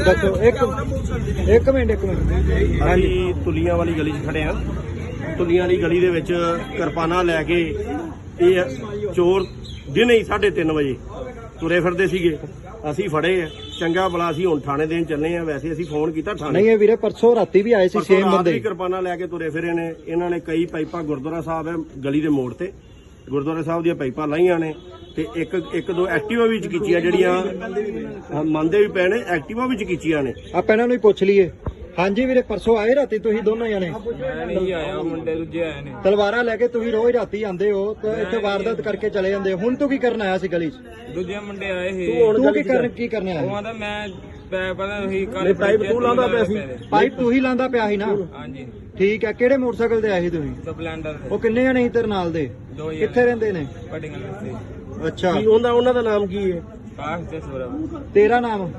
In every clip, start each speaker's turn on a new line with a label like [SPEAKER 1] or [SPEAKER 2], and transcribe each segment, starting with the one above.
[SPEAKER 1] ਦੱਸੋ ਇੱਕ ਮਿੰਟ
[SPEAKER 2] ਹਾਂਜੀ ਤੁਲੀਆਂ ਵਾਲੀ ਗਲੀ 'ਚ ਖੜੇ ਆ। ਤੁਲੀਆਂ ਵਾਲੀ ਗਲੀ ਦੇ ਵਿੱਚ ਕਿਰਪਾਨਾਂ ਲੈ ਕੇ ਇਹ ਚੋਰ ਦਿਨੇ ਹੀ 3:30 ਵਜੇ ਤੁਰੇ ਫਿਰਦੇ ਸੀਗੇ। ਅਸੀਂ ਫੜੇ ਆ, ਚੰਗਾ ਭਲਾ ਅਸੀਂ ਹੁਣ ਥਾਣੇ ਦੇਣ ਚੱਲੇ ਆ। ਵੈਸੇ ਅਸੀਂ ਫੋਨ ਕੀਤਾ ਥਾਣੇ।
[SPEAKER 1] ਨਹੀਂ ਇਹ ਵੀਰੇ ਪਰਸੋਂ ਰਾਤੀ ਵੀ ਆਏ ਸੀ
[SPEAKER 2] ਪਰਸੋਂ
[SPEAKER 1] ਸੇਮ
[SPEAKER 2] ਰਾਤ
[SPEAKER 1] ਬੰਦੇ
[SPEAKER 2] ਵੀ ਕਿਰਪਾਨਾਂ ਲੈ ਕੇ ਤੁਰੇ ਫਿਰੇ ਨੇ। ਇਹਨਾਂ ਨੇ ਕਈ ਪਾਈਪਾਂ ਗੁਰਦੁਆਰਾ ਸਾਹਿਬ ਹੈ ਗਲੀ ਦੇ ਮੋੜ ਤੇ, ਗੁਰਦੁਆਰਾ ਸਾਹਿਬ ਦੀਆਂ ਪਾਈਪਾਂ ਲਾਈਆਂ ਨੇ ਤੇ ਇੱਕ ਦੋ ਐਕਟਿਵਾ ਵੀ ਚਕੀਚੀਆਂ ਜਿਹੜੀਆਂ ਮੰਨਦੇ ਵੀ ਪਏ ਨੇ, ਐਕਟਿਵਾ ਵੀ ਚਕੀਚੀਆਂ ਨੇ।
[SPEAKER 1] ਆਪਾਂ ਇਹਨਾਂ ਨੂੰ ਹੀ ਪੁੱਛ ਲਈਏ। ਹਾਂਜੀ ਵੀਰੇ ਪਰਸੋਂ ਆਏ ਰਾਤੀ ਤੁਸੀਂ ਦੋਨੋਂ ਜਣੇ?
[SPEAKER 3] ਨਹੀਂ ਆਇਆ, ਮੁੰਡੇ ਦੂਜੇ ਆਏ ਨੇ।
[SPEAKER 1] ਤਲਵਾਰਾਂ ਲੈ ਕੇ ਤੁਸੀਂ ਰੋਜ਼ ਰਾਤੀ ਆਂਦੇ ਹੋ ਤੇ ਇੱਥੇ ਵਾਰਦਾਤ ਕਰਕੇ ਚਲੇ ਜਾਂਦੇ ਹੋ। ਹੁਣ ਤੂੰ ਕੀ ਕਰਨ ਆਇਆ ਸੀ ਗਲੀ 'ਚ?
[SPEAKER 3] ਦੂਜੇ ਮੁੰਡੇ ਆਏ ਸੀ।
[SPEAKER 1] ਤੂੰ ਕੀ ਕਰਨ
[SPEAKER 3] ਉਹ
[SPEAKER 1] ਆਇਆ?
[SPEAKER 3] ਆਂਦਾ ਮੈਂ ਪਤਾ ਨਹੀਂ ਕੱਲ
[SPEAKER 2] ਪਾਈਪ ਤੂੰ ਲਾਉਂਦਾ ਪਿਆ ਸੀ।
[SPEAKER 1] ਪਾਈਪ ਤੂੰ ਹੀ ਲਾਂਦਾ ਪਿਆ ਸੀ ਨਾ?
[SPEAKER 3] ਹਾਂਜੀ
[SPEAKER 1] ਠੀਕ ਹੈ। ਕਿਹੜੇ ਮੋਟਰਸਾਈਕਲ ਤੇ ਆਏ ਸੀ ਤੁਸੀਂ?
[SPEAKER 3] ਸਪਲੈਂਡਰ
[SPEAKER 1] ਉਹ ਕਿੰਨੇ ਜਣੇ ਸੀ ਤੇਰੇ ਨਾਲ ਦੇ?
[SPEAKER 3] ਦੋ ਹੀ
[SPEAKER 1] ਕਿੱਥੇ ਰਹਿੰਦੇ ਨੇ?
[SPEAKER 3] ਪਟਿੰਗਲ ਵਿੱਚ
[SPEAKER 1] ਅੱਛਾ
[SPEAKER 2] ਕੀ ਉਹਨਾਂ ਦਾ ਨਾਮ ਕੀ ਹੈ?
[SPEAKER 3] ਕਾਸ਼ ਤੇ ਸੂਰਜ।
[SPEAKER 1] ਤੇਰਾ ਨਾਮ?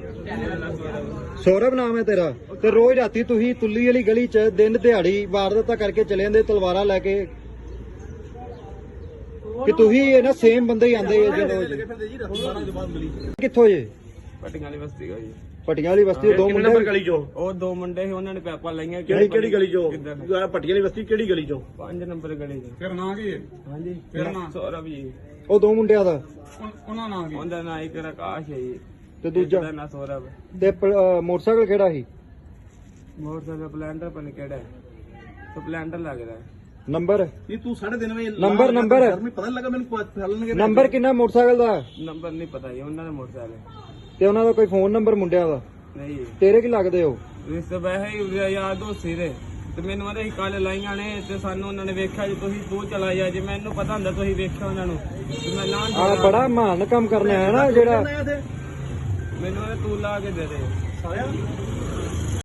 [SPEAKER 1] ਸੌਰਵ ਨਾਮ ਹੈ ਤੇਰਾ। ਤੇ ਰੋਜ਼ ਰਾਤੀ ਤੁਸੀਂ ਤੁੱਲੀ ਵਾਲੀ ਗਲੀ 'ਚ ਦਿਨ ਦਿਹਾੜੀ ਵਾਰਦਾਤਾਂ ਕਰਕੇ ਚਲੇ ਜਾਂਦੇ ਤਲਵਾਰਾਂ ਲੈ ਕੇ ਕਿ ਤੁਸੀਂ ਇਹ ਨਾ ਸੇਮ ਬੰਦੇ ਹੀ ਆਂਦੇ ਜਦੋਂ ਕਿੱਥੋਂ ਜੇ?
[SPEAKER 3] ਪਟਿੰਗਲ ਵਾਲੀ ਬਸਤੀ ਗਈ।
[SPEAKER 1] ਪਟੀਆਂ ਵਾਲੀ ਬਸਤੀ ਦੋ
[SPEAKER 2] ਕਿੰਨੇ
[SPEAKER 1] ਮੁੰਡੇ
[SPEAKER 2] ਨੰਬਰ ਗਲੀ 'ਚੋਂ?
[SPEAKER 3] ਉਹ ਦੋ ਮੁੰਡੇ ਸੀ, ਉਹਨਾਂ ਨੇ ਪੈਪਾਂ ਲਾਈਆਂ।
[SPEAKER 2] ਕਿਹੜੀ ਗਲੀ 'ਚੋਂ? ਪੱਟੀਆਂ ਵਾਲੀ ਬਸਤੀ ਕਿਹੜੀ ਗਲੀ 'ਚੋਂ?
[SPEAKER 3] 5 ਨੰਬਰ ਗਲੀ ਚ।
[SPEAKER 4] ਫਿਰ ਨਾਂ ਕੀ ਹੈ?
[SPEAKER 3] ਹਾਂਜੀ
[SPEAKER 4] ਫਿਰ ਨਾਂ?
[SPEAKER 3] ਸੌਰਵ ਜੀ।
[SPEAKER 1] ਉਹ ਦੋ ਮੁੰਡਿਆਂ ਦਾ
[SPEAKER 4] ਉਹਨਾਂ ਨਾਂ ਕੀ?
[SPEAKER 3] ਉਹਦਾ ਨਾਂ ਇੱਕ ਆਕਾਸ਼ ਹੈ ਜੀ
[SPEAKER 1] ਤੇ ਦੂਜਾ
[SPEAKER 3] ਉਹਦਾ ਨਾਂ ਸੌਰਵ।
[SPEAKER 1] ਤੇ ਮੋਟਰਸਾਈਕਲ ਕਿਹੜਾ ਸੀ?
[SPEAKER 3] ਮੋਟਰਸਾਈਕਲ ਸਪਲੈਂਡਰ ਪਨ ਕਿਹੜਾ ਸਪਲੈਂਡਰ ਲੱਗਦਾ।
[SPEAKER 1] ਨੰਬਰ
[SPEAKER 4] ਨਹੀਂ ਤੂੰ 3:30 ਵਜੇ
[SPEAKER 1] ਨੰਬਰ
[SPEAKER 4] ਮੈਨੂੰ ਪਤਾ ਲੱਗਾ ਮੈਨੂੰ ਫੈਲਣਗੇ।
[SPEAKER 1] ਨੰਬਰ ਕਿੰਨਾ ਮੋਟਰਸਾਈਕਲ ਦਾ?
[SPEAKER 3] ਨੰਬਰ ਨਹੀਂ ਪਤਾ ਜੀ ਉਹਨਾਂ ਦਾ ਮੋਟਰਸਾਈਕਲ।
[SPEAKER 1] ਤੇ ਉਹਨਾਂ ਦਾ ਕੋਈ ਫੋਨ ਨੰਬਰ ਮੁੰਡਿਆਂ ਦਾ?
[SPEAKER 3] ਨਹੀਂ ਜੀ
[SPEAKER 1] ਤੇਰੇ ਕੀ ਲੱਗਦੇ ਹੋ?
[SPEAKER 3] ਰਿਸ਼ਤੇ ਵੈਸੇ ਹੀ ਯਾਦ ਹੋ ਸੀਰੇ ਤੇ ਮੈਨੂੰ ਆਦੇ ਕੱਲ ਲਾਈਆਂ ਨੇ ਤੇ ਸਾਨੂੰ ਉਹਨਾਂ ਨੇ ਵੇਖਿਆ ਜੀ ਤੁਸੀਂ ਤੂੰ ਚਲਾ ਜਾ। ਜੇ ਮੈਨੂੰ ਪਤਾ ਹੁੰਦਾ ਤੁਸੀਂ ਵੇਖਿਆ ਉਹਨਾਂ ਨੂੰ ਤੇ ਮੈਂ ਨਾਂ
[SPEAKER 1] ਆ ਬੜਾ ਮਹਾਨ ਕੰਮ ਕਰਨਾ ਹੈ ਨਾ ਜਿਹੜਾ
[SPEAKER 3] ਮੈਨੂੰ ਆਦੇ ਤੂੰ ਲਾ ਕੇ ਦੇ ਦੇ।